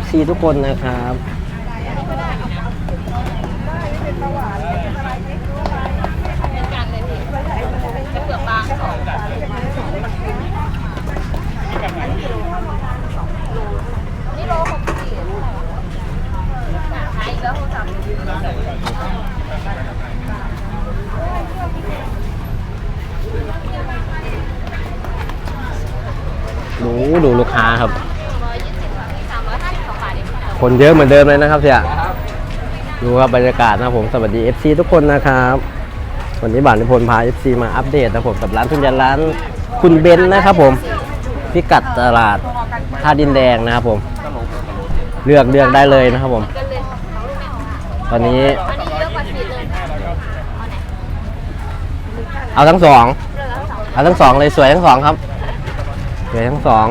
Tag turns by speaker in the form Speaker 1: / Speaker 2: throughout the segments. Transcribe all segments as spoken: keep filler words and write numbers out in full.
Speaker 1: ซี ทุกคนนะครับ
Speaker 2: นี่โลหกสี่ขายอีกแล้วโทรศัพท์
Speaker 1: ดูดูลูกค้าครับ
Speaker 2: ร้อยยี่สิบค่ะที่สามร้อยห้าสิบสองบาทเอง
Speaker 1: คนเยอะเหมือนเดิมเลยนะครับเสี่ยดูครับบรรยากาศนะผมสวัสดี เอฟ ซี ทุกคนนะครับวันนี้บ่าวนิพนธ์พา เอฟ ซี มาอัปเดตนะผมกับร้านทุนยันร้านคุณเบนนะครับผมพิกัดตลาดท่าดินแดงนะครับผมเลือกเลือกได้เลยนะครับผมตอนนี้
Speaker 2: อันนี้เยอะกว่าขีดเลยเอาไหน
Speaker 1: เอาทั้งสอง
Speaker 2: เลือกแล้วสอง
Speaker 1: เอาทั้งสองเลยสวยทั้งสองครับสวยทั้งสอง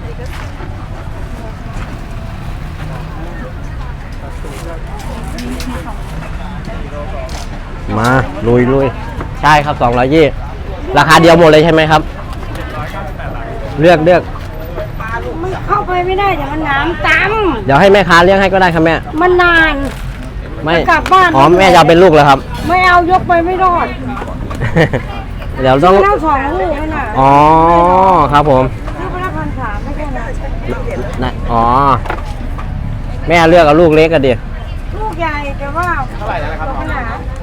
Speaker 1: มาลุยลุยใช่ครับสองร้อยยี่ราคาเดียวหมดเลยใช่ไหมครับเลือกเลือก
Speaker 3: มันเข้าไปไม่ได้เดี๋ยวมันน้ำต
Speaker 1: เดี๋ยวให้แม่ค้าเลี้ยงให้ก็ได้ครับแม่
Speaker 3: ำมันนาน
Speaker 1: ไม่
Speaker 3: กลับบ้าน
Speaker 1: อ๋อแม่จะเอาเป็นลูกแล้วครับ
Speaker 3: ไม่เอายกไปไม่รอด
Speaker 1: เดี๋ยวต้อง
Speaker 3: มันเอาสองลูกนั่นน่ะ
Speaker 1: อ๋อครับผม
Speaker 3: ลูกไปละพันสามไม่ใช่นะ
Speaker 1: นะอ๋อแม่เลือกเอาลูกเล็กกันดิ
Speaker 3: ลูกใหญ่แต่ว่าเท่าไหร่แล้วครับน้อง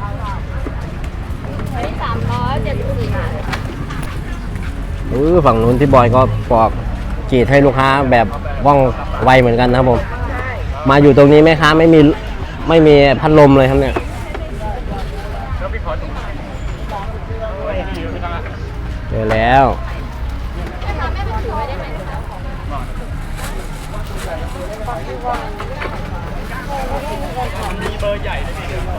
Speaker 2: อันนี้สามร้อยเจ็ดสิบสี่บาท
Speaker 1: เออฝั่งนู้นที่บอยก็ปอกกรีดให้ลูกค้าแบบว่องไวเหมือนกันนะครับผมมาอยู่ตรงนี้แม่ค้าไม่มีไม่มีพัดลมเลยครับเนี่ยเจอแล้วมีเบอร์ใหญ่ด้วยนี่เดี๋ยว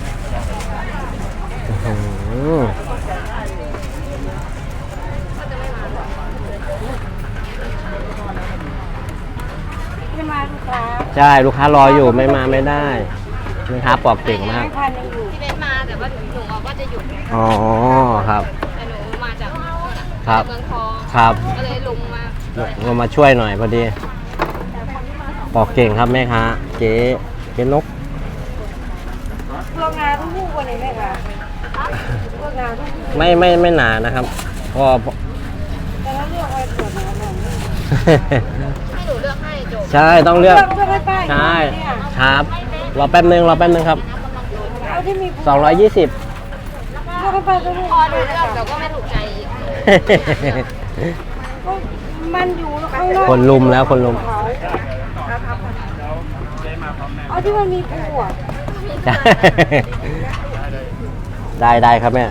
Speaker 3: ไม่มาลูกค้า
Speaker 1: ใช่ลูกค้ารออยู่ไม่มาไม่ได้ลูกค้าปอกเก่งมาก
Speaker 3: ไม่พันยังอยู่
Speaker 2: ที่เบนมาแต่ว่าหนูบอกว่าจะหยุด
Speaker 1: อ๋อครับ
Speaker 2: แต่หนูมาจาก
Speaker 1: ครับ
Speaker 2: เมืองทอง
Speaker 1: ครับ
Speaker 2: ก็เลยลงมา
Speaker 1: เรามาช่วยหน่อยพอดีปอกเก่งครับแม่ค้าเจ๊เจ๊นก
Speaker 3: โรงงานทุกลูกวันนี้ไหมคะโรงงานทุกลูก
Speaker 1: ไม่ไม่ไม่หนานะครับก็
Speaker 3: แต่ละเลือกไว้ตรวจนะน้อง
Speaker 2: ให้หนูเลือกให้จบ
Speaker 1: ใช่ต้องเลือก
Speaker 3: เลือกให้ป้าย
Speaker 1: ใช่
Speaker 3: เนี่ย
Speaker 1: ครับรอแป๊บนึงรอแป๊บนึงครับ
Speaker 3: เอาที่มี
Speaker 1: สองร้อยยี่สิบ
Speaker 3: เลือกให้ป้ายก็ลูก
Speaker 2: พอหนูเลือกแต่ก็ไม่ถูกใจอีก
Speaker 3: มันอยู่ข้างนอก
Speaker 1: คนลุมแล้วคนลุม
Speaker 3: เอาที่มันมีปูอ่ะ
Speaker 1: ได้ได้ครับแม่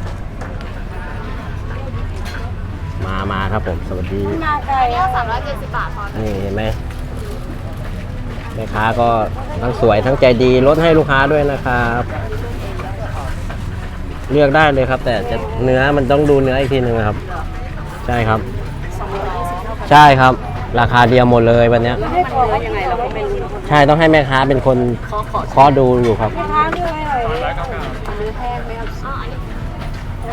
Speaker 1: มามาครับผมสวัสดี
Speaker 3: มาไกล
Speaker 2: อันนี้สามร้อยเจ็ดสิบบาทพอ
Speaker 1: นี่เห็นไหมแม่ค้าก็ทั้งสวยทั้งใจดีลดให้ลูกค้าด้วยนะครับ เลือกได้เลยครับ แต่จะเนื้อมันต้องดูเนื้ออีกทีหนึ่งนะครับ ใช่ครับ ใช่ครับ ราคาเดียวหมดเลยวันเนี้ย
Speaker 3: ไม่ได้บอกว่ายังไงเราก็ไม่รู้
Speaker 1: ใช่ต้องให้แม่ค้าเป็นคนเคาะดูอยู่ครับ
Speaker 3: แม่ค้าเลือกให้หน่อยดิ
Speaker 2: อ๋ออันนี้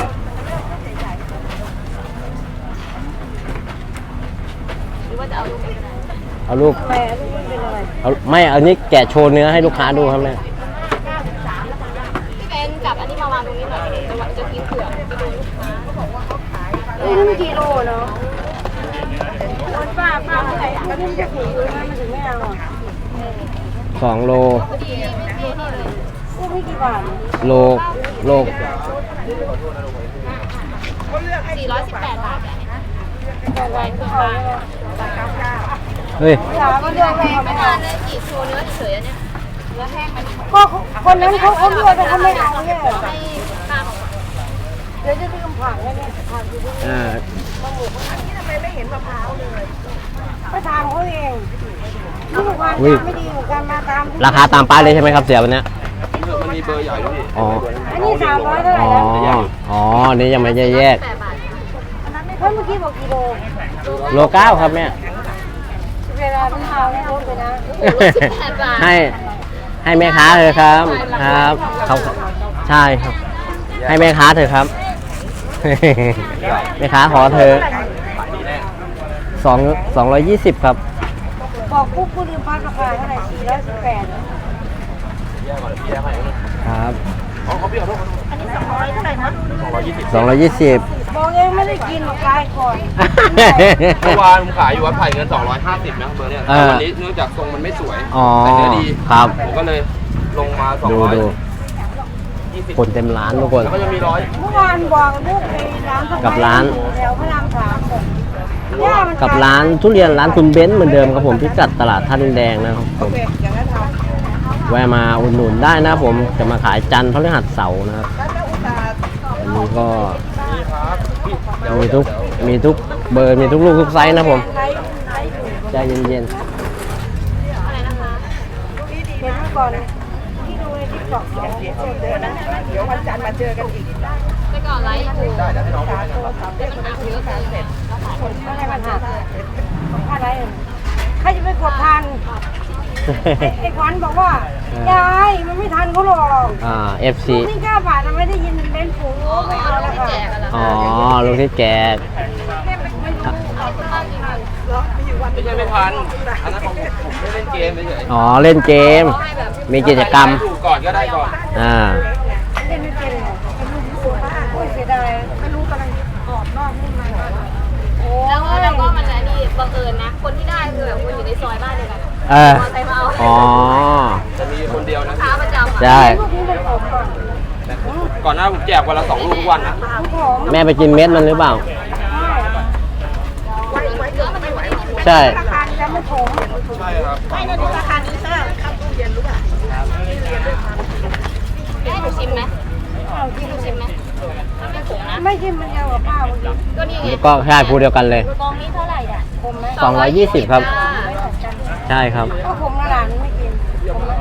Speaker 2: หรือว่าจะเอาลูกไปก็ได้
Speaker 1: เอาลูก
Speaker 3: แม่ลูกมันเป็นอะไร
Speaker 1: เอาไม่เอานี้แกะโชว์เนื้อให้ลูกค้าดูครับแม่
Speaker 2: พี่เบนกับอันนี้มาวางตรงนี้หน่อยจะว่าจะกินเผือกไปดูลูกค้าเขาบอกว่าเขาขาย
Speaker 3: นี่มันกี่โลเนาะคนป้าป้าเท่าไหร่ก็นี่มันจะถูกอยู่นะมันถึงไม่เอาอ่ะ
Speaker 1: สองโล
Speaker 2: พอดีไม่ไม่นี่เลย
Speaker 3: ลูกไม่กี่บาท
Speaker 1: โลโล
Speaker 2: สี่ร้อยสิบแปดบาทเนี่ย
Speaker 3: แต่ไว้เพื่อเอา
Speaker 1: เฮ้ย
Speaker 3: ถามว่าเลือกอะไร
Speaker 2: ไม่
Speaker 3: ไม่
Speaker 2: นาน
Speaker 3: เอา
Speaker 2: เลยจีบโชว์เนื้อเฉยๆอันเนี้ยเนื้อแห้งมัน
Speaker 3: ก็คนนั้นเขาเขาเลือกแต่เขาไม่เอาเนี่ย
Speaker 2: ให้ป้าบอกว่า
Speaker 3: เดี๋ยวจะลืมผักแล้วเนี่ยผักอยู่ที่
Speaker 1: อ่า
Speaker 3: ไปถามเขาเองนี่ลูกค้าไม่ดีเหมือนกันมาตาม
Speaker 1: ราคาตามป้ายเลยใช่ไหมครับเสียวันเนี้ย
Speaker 4: มันมีเบอร์ใหญ่ด้วยพี่
Speaker 1: อ๋อ
Speaker 3: อันนี้สามร้อยเท่าไหร่
Speaker 1: อ๋อ
Speaker 3: แล้ว
Speaker 1: อ๋อนี่ยังไม่ได้แยก
Speaker 2: แปดบาท
Speaker 3: เฮ้ยเมื่อกี้บอกกี่โล
Speaker 1: โลเก้าครับแม่
Speaker 3: เวลาพี่เอาไม่ลดเลยนะ
Speaker 2: สิบแปดบาท
Speaker 1: ให้ให้แม่ค้าเถอะครับครับเขาใช่ครับ ให้แม่ค้าเถอะครับ แม่ค้าขอเธอสองสองร้อยยี่สิบครับ
Speaker 3: บอกปุ๊บกูลืมพักราคาเท่าไหร่สี่ร้อยสิบแปด
Speaker 1: ครับ
Speaker 4: อ๋อเขาพี่ขอโทษ
Speaker 3: อันนี้สองร้อยเท่าไหร่นะ
Speaker 4: สองร้อยยี่สิบ
Speaker 1: สองร้อยยี่สิบ
Speaker 3: บอกเองไม่ได้กินหรอกกายก่อน
Speaker 4: เมื่อวานผมขายอยู่วัดไผ่เงินสองร้อยห้าสิบนะเบอร์เนี้ยแต่วันนี้เนื่องจากทรงมันไม่สวย
Speaker 1: อ๋อ
Speaker 4: แต่เนื้อดี
Speaker 1: ครับ
Speaker 4: ผมก็เลยลงมาสอง
Speaker 1: ดู
Speaker 4: ร้อย
Speaker 1: ดู
Speaker 4: ยี่สิบ
Speaker 1: คนเต็มร้านทุกคน
Speaker 4: แล้วก็จะมีร้อย
Speaker 3: เมื่อวานบอกลูกไปร้านสะ
Speaker 1: กับร้าน
Speaker 3: แถวพระรามสามบอกย่ามัน
Speaker 1: กับร้านทุเรียนร้านคุณเบนซ์เหมือนเดิมครับผมพิกัดตลาดท่าดินแดงนะครับผม
Speaker 3: อย่างนั้นทำ
Speaker 1: แวะมาอุดหนุนได้นะผมจะมาขายจันทร์พฤหัสเสาร์นะครับอันนี้ก็
Speaker 4: นี่ครับพี่เดี๋ยว
Speaker 1: มีทุกมีทุกเบอร์มีทุกลูกทุกไซส์นะผม
Speaker 3: ไลฟ์ไลฟ์อยู่
Speaker 1: ใจเย็น
Speaker 2: อะไรนะคะ
Speaker 3: เห็นเมื่อก่อนที่ดูในทิกตอกเขาเจอนะเดี๋ยววันจันทร์มาเจอกันอีก
Speaker 2: แต่ก่อนไลฟ์อยู่
Speaker 4: ได้เดี๋ยวให้น้องดูให้นะ
Speaker 2: แต่มันหักเยอะเกินแล้วขาย
Speaker 3: คนไม่ให้มันหักค่าไรใครจะไปกดทัน
Speaker 1: ๆ
Speaker 3: ไอ้ขวัญบอกว่า ยายมันไม่ทันเขาหรอก
Speaker 1: อ่า เอฟ ซี
Speaker 3: นี่เก้าบาทเราไม่ได้ยินเบนฟูไม่เอาแล้วค่ะ
Speaker 2: แจกกันแล้ว
Speaker 1: อ๋อลูกที่แจก
Speaker 3: แม่ไม่ไม่รู้
Speaker 2: ขอบคุณมากจริง
Speaker 4: ไม่ใช่ไม่ทันอันนั้นของผมไม่เล่นเกมเฉย
Speaker 1: อ๋อเล่นเกม
Speaker 2: ๆให้แบบ
Speaker 1: มีกิจกรรม
Speaker 4: ถูกก่อนก็ได้ก่อน
Speaker 1: อ่า
Speaker 3: เล่นไม่เป็นเลยเป็นลูกที่สวยโอ้ยเสียดายไม่รู้กำลังกรอบนอกนุ่มในโอ้
Speaker 2: แล้วก็
Speaker 3: ย
Speaker 2: แล้วก็มันอันนี้บังเอิญนะ คนที่ได้คือแบบคนอยู่ในซอยบ้านเดียวกัน
Speaker 1: เออ
Speaker 2: มอเตอร์ไซค์มาเอา
Speaker 1: อ๋อ
Speaker 4: จะมีคนเดียวนะ
Speaker 2: ค้าประจำอ่ะ
Speaker 1: ใช่
Speaker 3: ลูกนี้เป็นผมก่อน
Speaker 4: ก่อนหน้าผมแจกวันละสองลูกทุกวันนะ
Speaker 3: ลูกผม
Speaker 1: แม่ไปกินเม็ดมันหรือเปล่า
Speaker 2: เนื้อมันจะไม่ได้นิ่ม
Speaker 1: ใช่
Speaker 3: ราคาจะไม่ผม
Speaker 4: ใช่ครับ
Speaker 3: ไม่นะดูราคานี้ใช่ครับตู้เย็นรู้ป่ะ
Speaker 2: ให้หนูชิมไหมให้หนูชิมไหมมันไม่ขมนะ
Speaker 3: ไม่ใช่มันยาวกับป้าวันนี้
Speaker 2: ก็นี่ไง
Speaker 1: ก็ใช่พูดเดียวกันเลย
Speaker 2: กองนี้เท่าไหร่อ่ะ
Speaker 3: ผมไหม
Speaker 1: สองร้อยยี่สิบครับ
Speaker 3: ไม่ตัดกัน
Speaker 1: ใช่ครับ
Speaker 3: ก็ผมละหลานไม่กินผมละ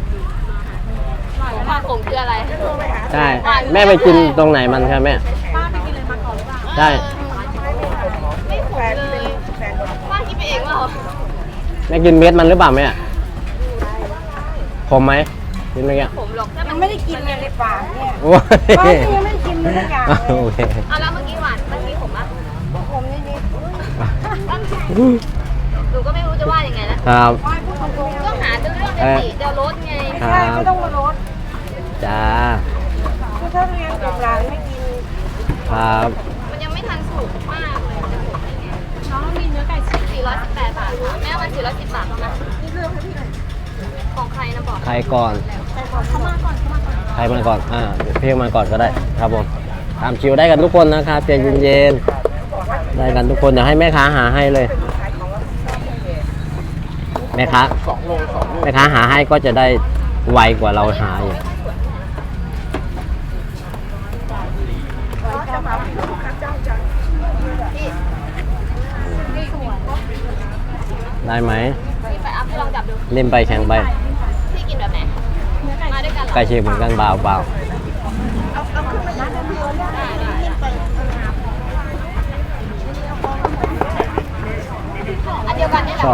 Speaker 2: มาขมคืออะไร
Speaker 1: ใช่ แม่ไปกินตรงไหนมันครับแม่
Speaker 2: ป้าไปกินเลยมาก่อนหรือเปล่า
Speaker 1: ใช่
Speaker 2: ไม่ขมเลยป้าคิดไปเองว่า
Speaker 1: แม่กินเม็ดมันหรือเปล่าแม่ขมไหมกินเมื่อกี้
Speaker 2: ผมหรอกถ้า
Speaker 3: ยั
Speaker 2: มัน
Speaker 3: งไม่ได้กินเลยในปากเนี่ย
Speaker 1: โอ้ย
Speaker 3: ป้าก็ยังไม่ได้กินเลยสักอย่างเลย
Speaker 1: โอเค
Speaker 2: เอาแล้วเมื่อกี้หวานเมื่อกี้ผมอ่ะ
Speaker 3: ผมนี่นี่
Speaker 2: หนูก็ไม่รู้จะว่ายังไงแล้ว
Speaker 1: ครับ
Speaker 3: ป้าพูดตรงๆ
Speaker 2: ก็หาเรื่องจะติจะลดไง
Speaker 3: ไม่ใช่ไม่ต้องมาลด
Speaker 1: จ้า
Speaker 3: คือถ้าเรียนกับหลานไม่กิน
Speaker 1: ครับ
Speaker 2: มันยังไม่ทันสุกมากเลยน้องมีเนื้อไก่สี่ร้อยสิบแปดบาทค่ะแม่มันสี่ร้อยสิบบาทนะของใครนะบอก
Speaker 1: ใครก่อน
Speaker 2: เขามาก่อนเขามาก่อน
Speaker 1: ใครมาก่อน อ่าเพียงมาก่อนก็ได้ ครับผมตามคิวได้กันทุกคนนะครับใจเย็นๆ ได้กันทุกคน เดี๋ยวให้แม่ค้าหาให้เลย แม่ค้า
Speaker 4: สองโลสองลูก
Speaker 1: แม่ค้าหาให้ก็จะได้ไวกว่าเราหาอยู่ได้ไหม
Speaker 2: พี่ไปอัพให้ลองจับดู
Speaker 1: เล่นไปแข่งไป
Speaker 2: พี่กินแบบไหนมาด้วยกันเหรอ
Speaker 1: ใกล้เคียงเหมือนกันเปล่าเปล่า
Speaker 2: ได้ได้อันเดียวกันนี่แหละ
Speaker 1: ชอบ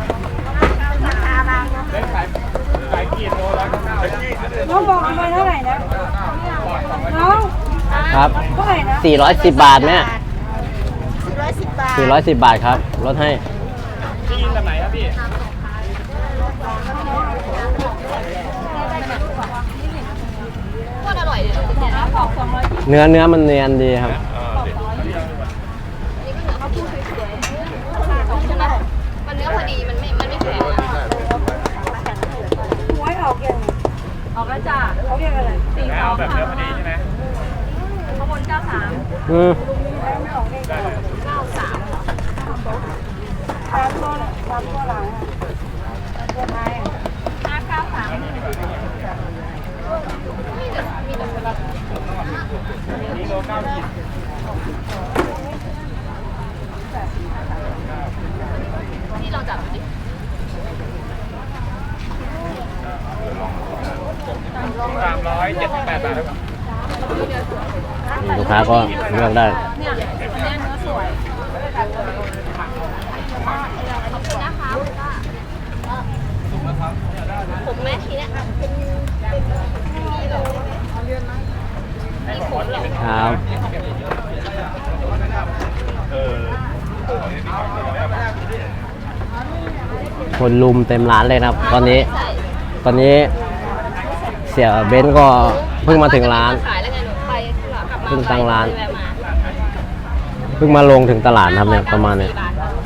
Speaker 3: น้องบอกทำไมเท่าไหร่นะน้อง
Speaker 1: ครับ
Speaker 3: เท่าไหร่นะ
Speaker 1: สี่ร้อยสิบบาทแม่
Speaker 3: สี่ร้อยสิบบาท
Speaker 1: สี่ร้อยสิบบาทครับลดให้
Speaker 2: โคตรอร่อยเลยจะแกะแล้วบอกสองร้อยยี่สิบ
Speaker 1: เนื้อเนื้อมันเนียนดีครับ
Speaker 2: นี่ก็เหนือเขาพูดสวยๆใช่ไหมมันเนื้อพอดีมันไม่มันไม่แข็งอะ
Speaker 3: หวยออกยังไง
Speaker 2: ออกแล้วจ้า
Speaker 3: เขาเรียกอะไร
Speaker 2: สี่สองแบบเนื้อพอดีใช่ไหมข้างบนเก้าสาม
Speaker 1: อืม
Speaker 3: ไม่ออกเลข
Speaker 2: เก้าสามเหรอ
Speaker 3: สามตัวเนี่ยสามตัวหลังอะสามตัวท้ายอะ
Speaker 2: ห้าเก้าสามมีแต่มีแต่คนละพี่ลองจับดูดิ
Speaker 4: สามร้อยเจ็ดสิบแปดบาทครับ
Speaker 1: ลูกค้าก็เลือกได้
Speaker 2: เนี่ยอันเนี้ยเนื้อสวยขอบคุณนะคะคุณป้าผมแม่ทีเนี้ยนี่เลยมีขนเหรอ
Speaker 1: ครับ
Speaker 4: เออ
Speaker 1: คนลุมเต็มร้านเลยนะครับ ตอนนี้
Speaker 2: ใส่
Speaker 1: ตอนนี้เสียเบนซ์ก็เพิ่งมาถึงร้าน
Speaker 2: ขายแล้วไงหนูไปกลับมา
Speaker 1: เพิ่งตั้งร้าน
Speaker 2: ไปแวะมา
Speaker 1: เพิ่งมาลงถึงตลาดนะครับเนี่ยประมาณเนี่ย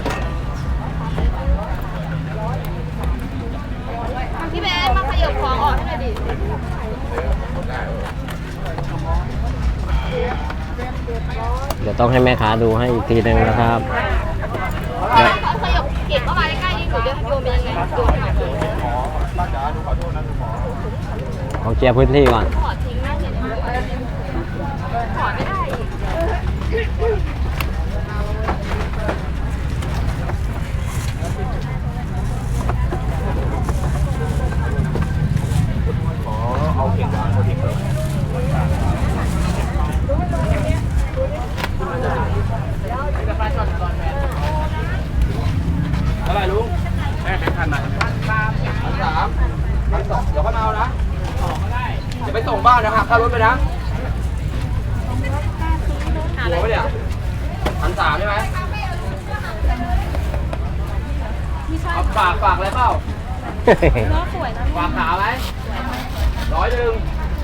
Speaker 2: พี่เบนมาขยับของออกให้หน่อยดิ
Speaker 1: เดี๋ยวต้องให้แม่ค้าดูให้อีกทีหนึงนะครับ
Speaker 2: ถ้าเขาขยับเก็บเข้ามาใกล้ๆนี่หนูจะโยนไปยังไงโยนไปไหน
Speaker 1: ขอเคลียร์พื้นที่ก่อน
Speaker 2: ถอดทิ้งนะเนี่ยถอดไม่ได้อีก
Speaker 4: เอาเข่งหวานพอดีเลยเท่าไหร่ลุงแม่แบงค์พันมาพันสามพันสามพันสองเดี๋ยวเขามาเอานะเดี๋ยวไปส่งบ้านนะหักค่ารถไปนะหัวไปเนี่ยพันสามใช่ไหมเอาฝากฝากอะไรเปล่า
Speaker 2: ล้อสวยนะ
Speaker 4: ฝากขาไหมร้อยหนึ่ง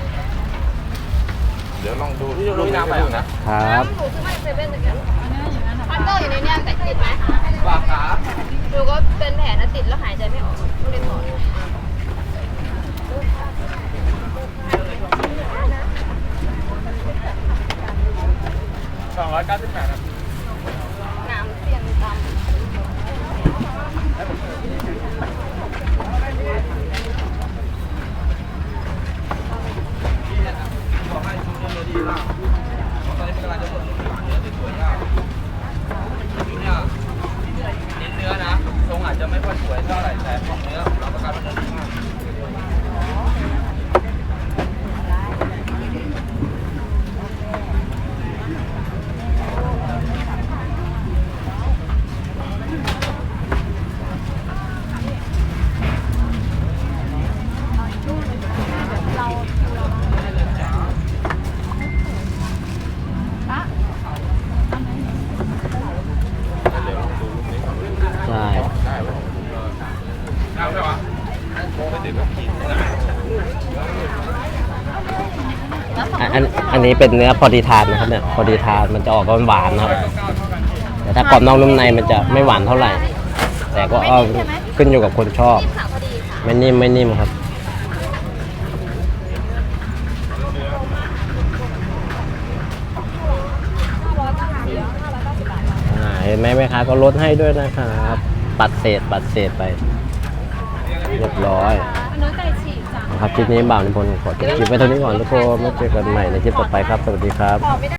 Speaker 4: เดี๋ยวลองดูที่ลุงน้ำไปนะ
Speaker 1: ครับ
Speaker 2: หนูซื้อมาจากเซเว่นตะกี้พันเกอร์อยู่ในเนี้ยแต่ติดไหม
Speaker 4: ฝากขา
Speaker 2: หนูก็เป็นแผลนะติดแล้วหายใจไม่ออกต้องเรียนหมอ
Speaker 4: สองร้อยเก้าสิบแปดครับ
Speaker 2: น้ำเสียงดำ
Speaker 4: บอกให้ชุดเนื้อดีมากเพราะตอนนี้มันกำลังจะหมดเนื้อสวยๆมากชุดเนี่ยเน้นเนื้อนะทรงอาจจะไม่ค่อยสวยเท่าไหร่แต่ของเนื้อรับประกันว่าเนื้อดีมาก
Speaker 1: ใช่
Speaker 4: ได้ไหมได้ไหมวะไม่ติดก็กิน
Speaker 1: อันอันอันนี้เป็นเนื้อพอดีทานนะครับเนี่ยพอดีทานมันจะออกหวานๆนะครับ แต่ถ้ากรอบนอกนุ่มในมันจะไม่หวานเท่าไหร่ แต่ก็เอาขึ้นอยู่กับคนชอบ
Speaker 2: นิ่มค่ะพอดีค่ะ
Speaker 1: ไม่นิ่มไม่นิ่มครับอ่าเห็นไหมแม่ค้าก็ลดให้ด้วยนะครับ ปัดเศษปัดเศษไป เรียบร้อย
Speaker 2: เนื้อไก่ฉีกจ้ะ
Speaker 1: นะครับคลิปนี้บ่าวนิพนธ์ขอจบคลิปไว้เท่านี้ก่อนทุกคนแล้วเจอกันใหม่ในคลิปต่อไปครับ สวัสดีครับ